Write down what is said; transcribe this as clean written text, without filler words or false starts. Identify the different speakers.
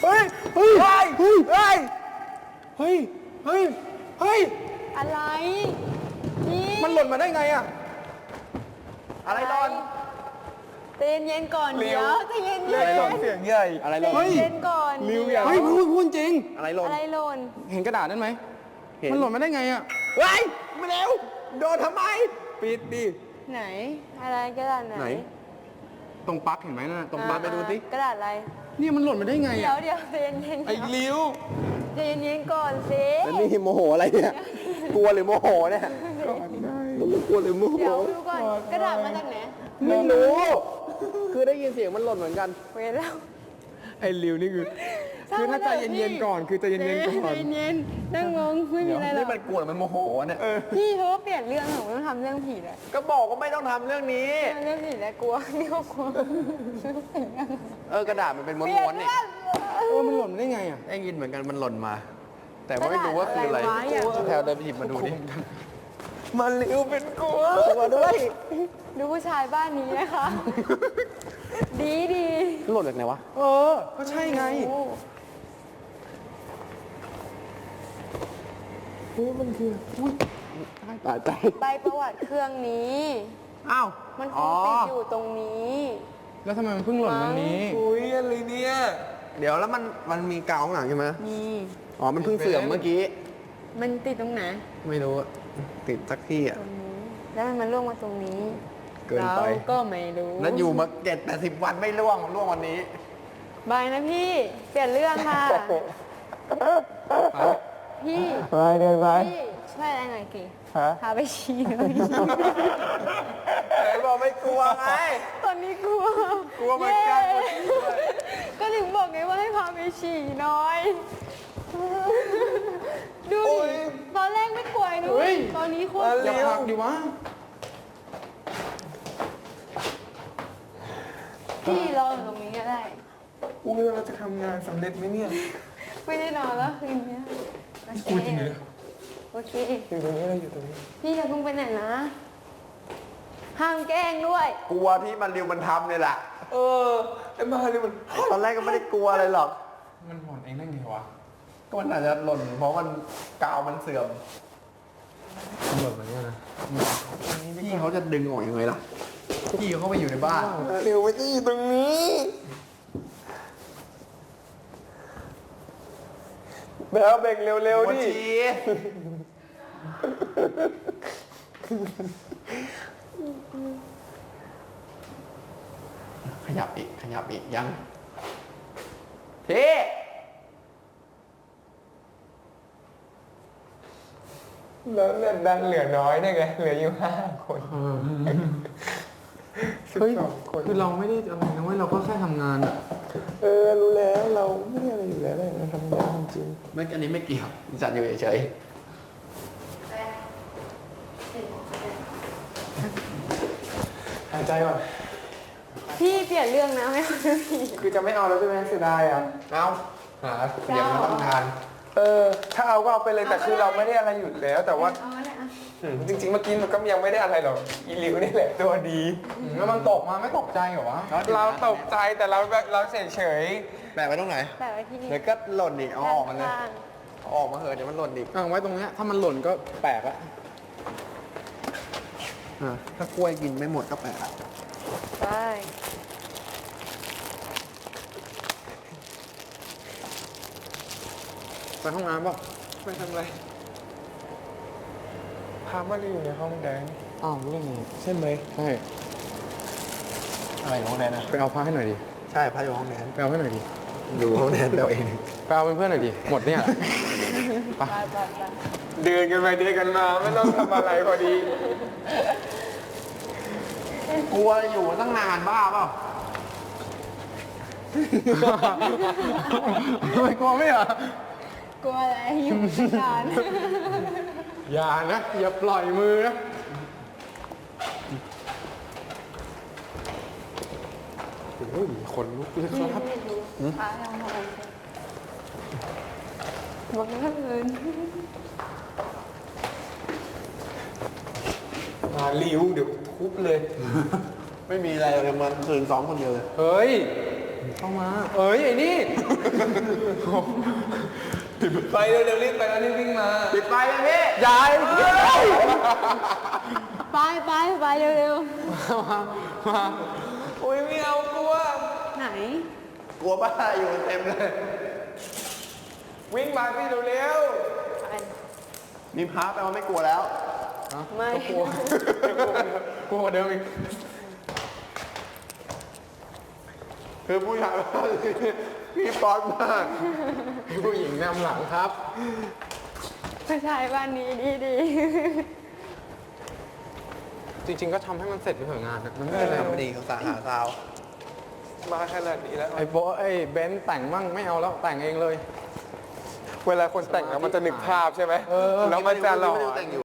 Speaker 1: เฮ้ยเฮ้ยเฮ้ยเฮ้ยเฮ้ยเฮ้ยเฮ้ย
Speaker 2: อะไรพี่
Speaker 1: มันหล่นมาได้ไงอะอะไรหล่น
Speaker 2: ใจเย็นๆก่อนเดี๋ยวใจเย็นๆ
Speaker 1: อะไรหล่นเสียงใหญ่อะไรหล่น
Speaker 2: ใจเย็นๆก่อน
Speaker 1: ริวอย่าเฮ้ยพูดจริงอะไรหล่น
Speaker 2: อะไรหล่น
Speaker 1: เห็นกระดาษนั้นไหมมันหล่นมาได้ไงอะเฮ้ยมาเร็วโดนทำไมปิดดิ
Speaker 2: ไหนอะไรกระดาษไหน
Speaker 1: ไหน ตรงปลั๊กเห็นไหมน่ะตรงปลั๊กไปดูสิ
Speaker 2: กระดาษอะไร
Speaker 1: เนี่ยมันหล่นมาได้ไง
Speaker 2: เดี๋ย
Speaker 1: อะ
Speaker 2: วใจเย็นๆ
Speaker 1: ไอ้ริว
Speaker 2: ใจเย็นๆก่อนสิ
Speaker 3: แล้วนี่โมโหอะไรเนี่ย กลัวหรือโมโหเนี่ยมันกลัวหรือโมโห
Speaker 2: เดี๋ยวดูก่อนกระดาษมาจากไหน
Speaker 3: ไม่รู้ คือได้ยินเสียงมันหล่นเหมือนกัน
Speaker 2: เวรแล้ว
Speaker 1: ไอ้ริวนี่คือถ้าใจเย็นๆก่อนคือใจเย็นๆก่อน
Speaker 2: ใจเย็นๆนั่งงงไม่มีอะไรหร
Speaker 3: นี่
Speaker 2: อก
Speaker 3: มันกลัวหรือมันโมโหเนี่ย
Speaker 2: พี่เขาก็เปลี่ยนเรื่องของต้องทำเรื่องผีแล้ว
Speaker 3: ก็บอกว่าไม่ต้องทำเรื่องนี้
Speaker 2: เรื่องผีแล้วกลัวนี่ก็กลัว
Speaker 3: กระดาษมันเป็น
Speaker 2: เปลี่ย
Speaker 3: ม้วน นๆ
Speaker 2: เรื่
Speaker 3: นี่
Speaker 2: อง
Speaker 1: มันหล่นมาได้ไงอะ
Speaker 3: ได้ยินเหมือนกันมันหล่นมา แต่ว่าไม่รู้ว่าคืออะไร
Speaker 2: กระดาษอะไรวะ
Speaker 3: แถวเดินไปหยิบมาดูดิมันริวเป็นกลัวด้วย
Speaker 2: ดูผู้ชายบ้านนี้นะคะ ดีดี
Speaker 3: หล่นจากไหนวะ
Speaker 1: ก็ใช่ไง
Speaker 2: โอ้
Speaker 1: เฮ้ยมันคืออุ้ย
Speaker 3: ตายตาย
Speaker 2: ใบประวัติเครื่องนี้
Speaker 3: อ้าว
Speaker 2: มันคงติดอยู่ตรงนี้
Speaker 1: แล้วทำไมมันเพิ่งหล่นวันนี้
Speaker 3: อุ้ยอะไรเนี่ย เดี๋ยวแล้วมันมีกาวข้างหลังใช่ไหม
Speaker 2: นี่
Speaker 3: อ๋อ มันเพิ่งเสื่อมเมื่อกี้
Speaker 2: มันติดตรงไหน
Speaker 3: ไม่รู้อะติดสักที่อ่ะ
Speaker 2: ตรงนี้ แล้วมันล่วงมาตรงนี้
Speaker 3: เกินไป
Speaker 2: เราก็ไม่รู้
Speaker 3: แล้วอยู่มา70-80 วันไม่ร่วงวันนี้
Speaker 2: บายนะพี่ เปลี่ยนเรื่องค่ะ พี่
Speaker 3: ไปเดินไป
Speaker 2: พี่ช่วยอะไรหน่อยสิ
Speaker 3: ฮะ
Speaker 2: พาไปชี้หน่อย
Speaker 3: ไหนบอกไม่กลัวไง
Speaker 2: ตอนนี้กลัว
Speaker 3: กลัวเหมือนกัน
Speaker 2: เย้ก็ถึงบอกไงว่าให้พาไปฉี่หน้อย ดูดิตอนแรกไม่กลัวนุ้ยตอนนี้โคตร
Speaker 1: อย่าพักดิวะ
Speaker 2: พี่รออยู่ตรงนี้ก็ได้
Speaker 1: อุ้ยเราจะทำงานสำเร็จไหมเนี่ย
Speaker 2: ไม่ได้นอนแล้วคืนนี้โอเคโอเค
Speaker 1: อยู่ตรงนี้เราอยู่ตรงนี้
Speaker 2: พี่อย่าเพิ่งไปไหนนะ ห้ามแกล้งด้วย
Speaker 3: กลัวที่มันริวมันทำเลยล่ะ
Speaker 1: ไอ้มาเลยมัน
Speaker 3: ตอนแรกก็ไม่ได้กลัวอะไรหรอก
Speaker 1: มันหล่นเองได้ไงวะ
Speaker 3: ก็มันอาจจะหล่นเพราะมันกาวมันเสื่อม
Speaker 1: มันหล่นมาเนี่ยนะ
Speaker 3: พี่เขาจะดึงออกยังไงล่ะ พี่เขาไปอยู่ในบ้าน
Speaker 1: เร็วไปที่ตรงนี้แล้วเบ่งเร็วๆดิ
Speaker 3: ขยับอีกยังพี่
Speaker 1: แล้วเนี่ยดันเหลือน้อยได้ไง เหลืออยู่5 คนเฮ้ยคือเราไม่ได้อะไรนะเว้ยเราก็แค่ทำงานอะรู้แล้วเราไม่ได้อะไรอยู่แล้วเลยเราทำงานจริง
Speaker 3: ไม่อันนี้ไม่เกี่ยวจัดอยู่เฉย
Speaker 1: หายใจก่อน
Speaker 2: พี่เปลี่ยนเรื่องนะไม่เอาเรื่องผี
Speaker 1: คือจะไม่เอาแล้วใช่ไหมเสียดายอ่ะ
Speaker 3: ๆเอาเดี๋ยวมันต้องทาน
Speaker 1: ถ้าเอาก็เอาไปเลยแต่คือเราไม่ได้อะไรอยู่แล้ว แต่ว่า
Speaker 2: เอาเนี่ยอ่ะ
Speaker 1: จริงๆเมื่อกี้มันก็ยังไม่ได้อะไรหรอกอีลิวนี่แหละตัวดีแล้วมันตกมาไม่ตกใจเหรอวะเราตกใจแต่เราเฉย
Speaker 3: แปะไว้ตรงไหน
Speaker 2: แปะไว้ที่นี่
Speaker 3: เดี๋ยวก็หล่นอีกเอาออกมาเลย
Speaker 2: ข้าง
Speaker 3: เอาออกมาเหอะเดี๋ยวมันหล่นอีก
Speaker 1: ๆไว้ตรงเนี้ยถ้ามันหล่นก็แปลกอะ
Speaker 3: ถ้ากล้วยกินไม่หมดก็แปะ
Speaker 2: ๆไป
Speaker 1: ไปห้องน้ำป่ะไปทำอะไรพามาอยู่ในห้องแดงอ้าวเรื่องนี้ใช่ไหมใช่
Speaker 3: อะไรอยู่ห้องแนนนะ
Speaker 1: ไปเอาผ้าให้หน่อยดิ
Speaker 3: ใช่พระอยู่ห้องแนน
Speaker 1: ไปเอาให้หน่อยดิ
Speaker 3: อยู่ห้องแนนเราเอง
Speaker 1: ไปเอาเป็นเพื่อนหน่อยดิหมดเนี่ยไป
Speaker 2: ไป
Speaker 1: เดินกันไปเดินกันมาไม่ต้องทำอะไรพอดี
Speaker 3: กลัวอยู่ตั้งนานบ้าเปล่า
Speaker 1: ไม่กลัวไม่เหรอก
Speaker 2: ลัวอะไรอยู่ตั้งนาน
Speaker 1: อย่านะอย่าปล่อยมือนะโอ้ยขนลุกเลยครับ
Speaker 2: พาเรามาบอกว่าเอิน
Speaker 1: มาลิ้วเดี๋ยวทุบเลย
Speaker 3: ไม่มีอะไรเลยมันคืนซ้อมคนเดียวเลย
Speaker 1: เฮ้ย เข้ามา เอ้ย ไอ้นี่ไปเร็วๆรีบไปแล้วรีบวิ่งมา
Speaker 3: ปิดไฟเลยพี่ยาย
Speaker 2: ไปเร็ว
Speaker 1: มาอุ้ยไม่เอากลัว
Speaker 2: ๆไหน
Speaker 3: กลัวบ้าอยู่เต็มเลย
Speaker 1: วิ่งมาพี่เร็ว
Speaker 2: ไป
Speaker 3: มีพาแปลว่าไม่กลัวแล้ว
Speaker 2: ไม่
Speaker 1: ๆกลัวกลัวเดิมอีก
Speaker 3: คือผู้ชายพี่ป๊อตมาก
Speaker 1: ผู้หญิงนำหลังครับ
Speaker 2: ผู้ชายบ้านนี้ดี
Speaker 1: จริง ๆ ก็ทำให้มันเสร็จไปเถอะงานนะมันไม่เป็นไร
Speaker 3: ทำไม่ดีเขาสาหาซาว
Speaker 1: มาขนาดนี้แล้ว
Speaker 4: ไอ้โบไอ้เบนซ์แต่งมั่งไม่เอาแล้วแต่งเองเลย
Speaker 1: เวลาคนแต่งแล้วมันจะนึกภาพใช่ไหมแล้วมันจะหล่อ
Speaker 3: ไม่ได้แต่งอยู่